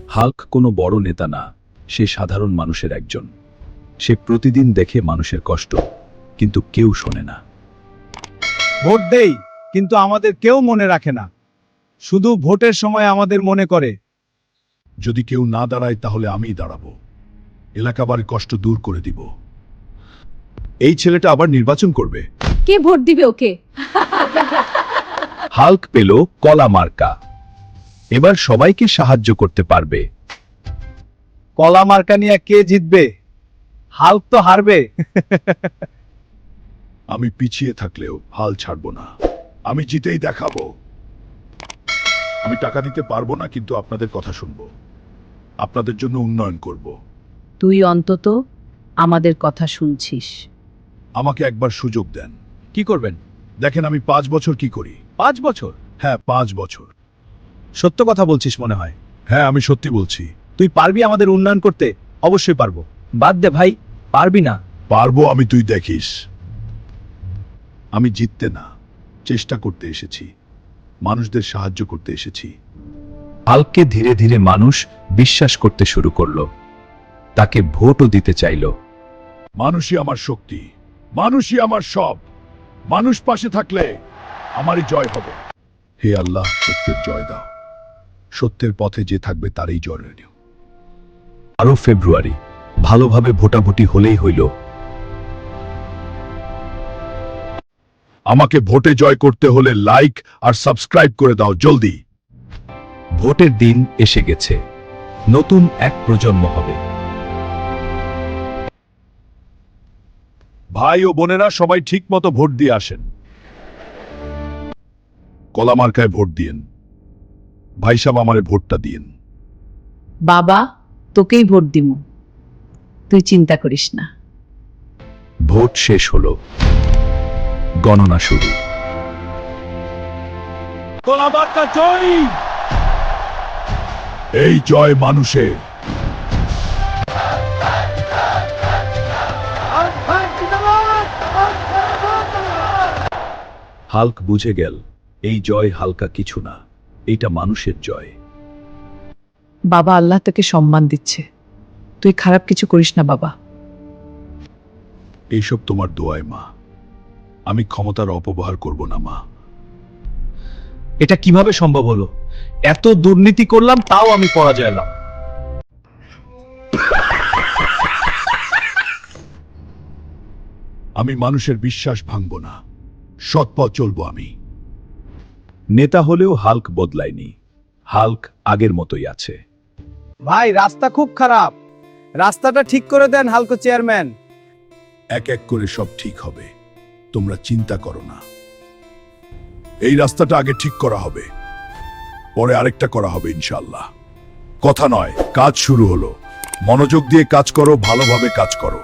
Hulk কোনো বড় নেতা না, সে সাধারণ মানুষের একজন। সে প্রতিদিন দেখে মানুষের কষ্ট, কিন্তু কেউ শোনে না। ভোট দেই, কিন্তু আমাদের কেউ মনে রাখে না। শুধু ভোটের সময় আমাদের মনে করে। যদি কেউ না দাঁড়ায় তাহলে আমিই দাঁড়াবো, এলাকাবাড়ির কষ্ট দূর করে দিব। এই ছেলেটা আবার নির্বাচন করবে। কে ভোট দিবে ওকে? হাল্ক পেল কলা মার্কা। এবার সবাইকে সাহায্য করতে পারবে। কলা মার্কা নিয়ে কে জিতবে? হাল্ক তো হারবে। আমি পিছিয়ে থাকলেও হাল ছাড়বো না, আমি জিতেই দেখাবো। আমি টাকা দিতে পারবো না, কিন্তু আপনাদের কথা শুনবো, আপনাদের জন্য উন্নয়ন করব। তুই অন্তত আমাদের কথা শুনছিস। আমাকে একবার সুযোগ দেন। কি করবেন? দেখেন আমি 5 বছর কি করি। 5 বছর? হ্যাঁ, 5 বছর। সত্য কথা বলছিস মনে হয়। হ্যাঁ, আমি সত্যি বলছি। তুই পারবি আমাদের উন্নয়ন করতে? অবশ্যই পারবো। বাদ দে ভাই, পারবি না। পারবো আমি, তুই দেখিস। আমি জিততে না, চেষ্টা করতে এসেছি, মানুষদের সাহায্য করতে এসেছি। হাল্ককে ধীরে ধীরে মানুষ বিশ্বাস করতে শুরু করলো, তাকে ভোটও দিতে চাইল। মানুষই আমার শক্তি, মানুষই আমার সব। মানুষ পাশে থাকলে আমারই জয় হবে। হে আল্লাহ, সত্যের জয় দাও। সত্যের পথে যে থাকবে তারই জয় রইল। 12 ফেব্রুয়ারি ভালোভাবে ভোটাভুটি হলেই হইল। আমাকে ভোটে জয় করতে হলে লাইক আর সাবস্ক্রাইব করে দাও জলদি। ভোটের দিন এসে গেছে, নতুন এক প্রজন্ম হবে। ভাই ও বোনেরা, সবাই ঠিক মতো ভোট দিয়ে আসেন। কলা মার্কায় ভোট দিয়েন। ভাই সাহেব, আমারে ভোটটা দিয়েন। বাবা, তোকেই ভোট দিমু, তুই চিন্তা করিস না। ভোট শেষ হলো, গণনা শুরু। কলা মার্কা জয়! এই জয় মানুষের। হাল্ক বুঝে গেল, এই জয় হালকা কিছু না, এটা মানুষের জয়। বাবা, আল্লাহ তোকে সম্মান দিচ্ছে, তুই খারাপ কিছু করিস না বাবা। এইসব তোমার দোয়ায় মা, আমি ক্ষমতার অপব্যবহার করব না মা। এটা কিভাবে সম্ভব হলো? এত দুর্নীতি করলাম, তাও আমি পরাজয় এলাম। আমি মানুষের বিশ্বাস ভাঙব না, সৎ পথ চলবো আমি। নেতা হলেও হাল্ক বদলায়নি, হাল্ক আগের মতোই আছে। ভাই, রাস্তা খুব খারাপ, রাস্তাটা ঠিক করে দেন হালকো চেয়ারম্যান। এক এক করে সব ঠিক হবে, তোমরা চিন্তা করো না। এই রাস্তাটা আগে ঠিক করা হবে, পরে আরেকটা করা হবে ইনশাআল্লাহ। কথা নয়, কাজ শুরু হলো। মনোযোগ দিয়ে কাজ করো, ভালোভাবে কাজ করো।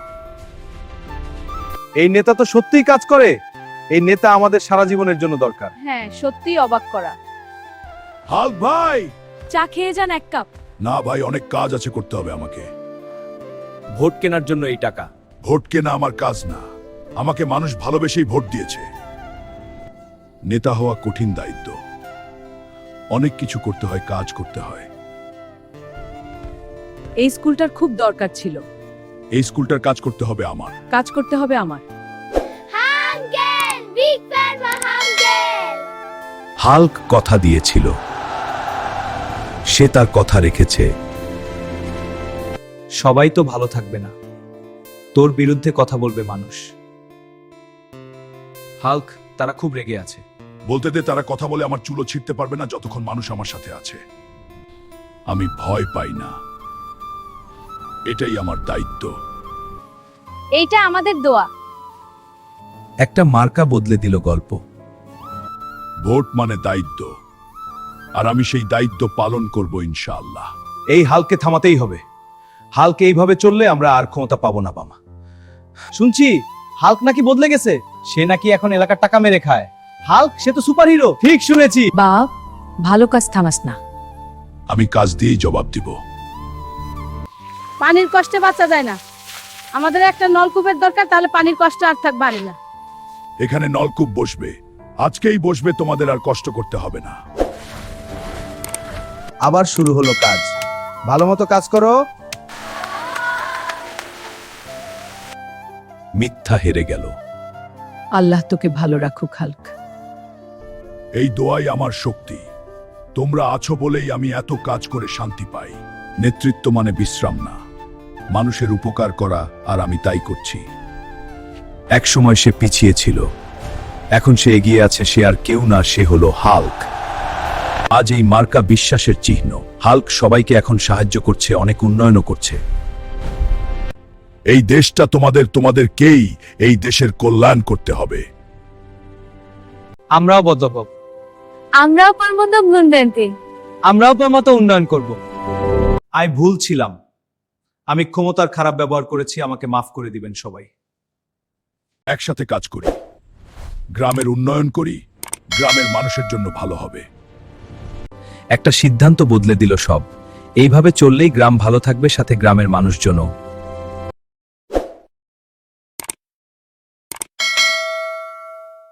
এই নেতা তো সত্যিই কাজ করে। এই নেতা আমাদের সারা জীবনের জন্য দরকার। হ্যাঁ, সত্যি অবাক করা। হাল্ক ভাই! চা খেয়ে যান এক কাপ। না ভাই, অনেক কাজ আছে, করতে হবে আমাকে। ভোট কেনার জন্য এই টাকা। ভোট কেনা আমার কাজ না, আমাকে মানুষ ভালোবেসেই ভোট দিয়েছে। নেতা হওয়া কঠিন দায়িত্ব, অনেক কিছু করতে হয়, কাজ করতে হয়। এই স্কুলটার খুব দরকার ছিল। এই স্কুলটার কাজ করতে হবে আমার। কাজ করতে হবে আমার। হাল্ক কথা দিয়েছিল, সে তার কথা রেখেছে। সবাই তো ভালো থাকবে না, তোর বিরুদ্ধে কথা বলবে মানুষ। হাল্ক, তারা খুব রেগে আছে। বলতে দে, তারা কথা বলে আমার চুলো ছিঁড়তে পারবে না যতক্ষণ মানুষ আমার সাথে আছে। আমি ভয় পাই না, এটাই আমার দায়িত্ব। এইটা আমাদের দোয়া। একটা মার্কা বদলে দিল গল্প। ভোট মানে দায়িত্ব, আর আমি সেই দায়িত্ব পালন করব ইনশাআল্লাহ। এই হালকে থামাতেই হবে। হালক এইভাবে চললে আমরা আর ক্ষমতা পাবো না বাবা। শুনছি হাল্ক নাকি বদলে গেছে, সে নাকি এখন এলাকার টাকা মেরে খায়। হাল্ক, সে তো সুপারহিরো। ঠিক শুনেছি। বাপ, ভালো কাজ থামাস না। আমি কাজ দিয়েই জবাব দিব। পানির কষ্টে বাঁচা যায় না, আমাদের একটা নলকূপের দরকার, তাহলে পানির কষ্ট আর থাকবে না। এখানে নলকূপ বসবে, আজকেই বসবে, তোমাদের আর কষ্ট করতে হবে না। আবার শুরু হলো কাজ। ভালো মতো কাজ করো। মিথ্যা হেরে গেল। আল্লাহ তোকে ভালো রাখুক হাল্ক। এই দোয়াই আমার শক্তি। তোমরা আছো বলেই আমি এত কাজ করে শান্তি পাই। নেতৃত্ব মানে বিশ্রাম না, মানুষের উপকার করা, আর আমি তাই করছি। এক সময় সে পিছিয়ে ছিল, এখন সে এগিয়ে আছে। সে আর কেউ না, সে হলো হাল্ক। আজ এই মার্কা বিশ্বাসের চিহ্ন। হাল্ক সবাইকে এখন সাহায্য করছে, অনেক উন্নয়নও করছে। এই দেশটা তোমাদেরকেই এই দেশের কল্যাণ করতে হবে। আমরাও বদ্ধপক, আমরাও পারবো ভুলতে। আমরাও মতো উন্নয়ন করব। আমি ভুল ছিলাম, আমি ক্ষমতার খারাপ ব্যবহার করেছি, আমাকে মাফ করে দিবেন সবাই। একসাথে কাজ করি, গ্রামের উন্নয়ন করি, গ্রামের মানুষের জন্য ভালো হবে। একটা সিদ্ধান্ত বদলে দিল সব। এইভাবে চললেই গ্রাম ভালো থাকবে, সাথে গ্রামের মানুষজনও।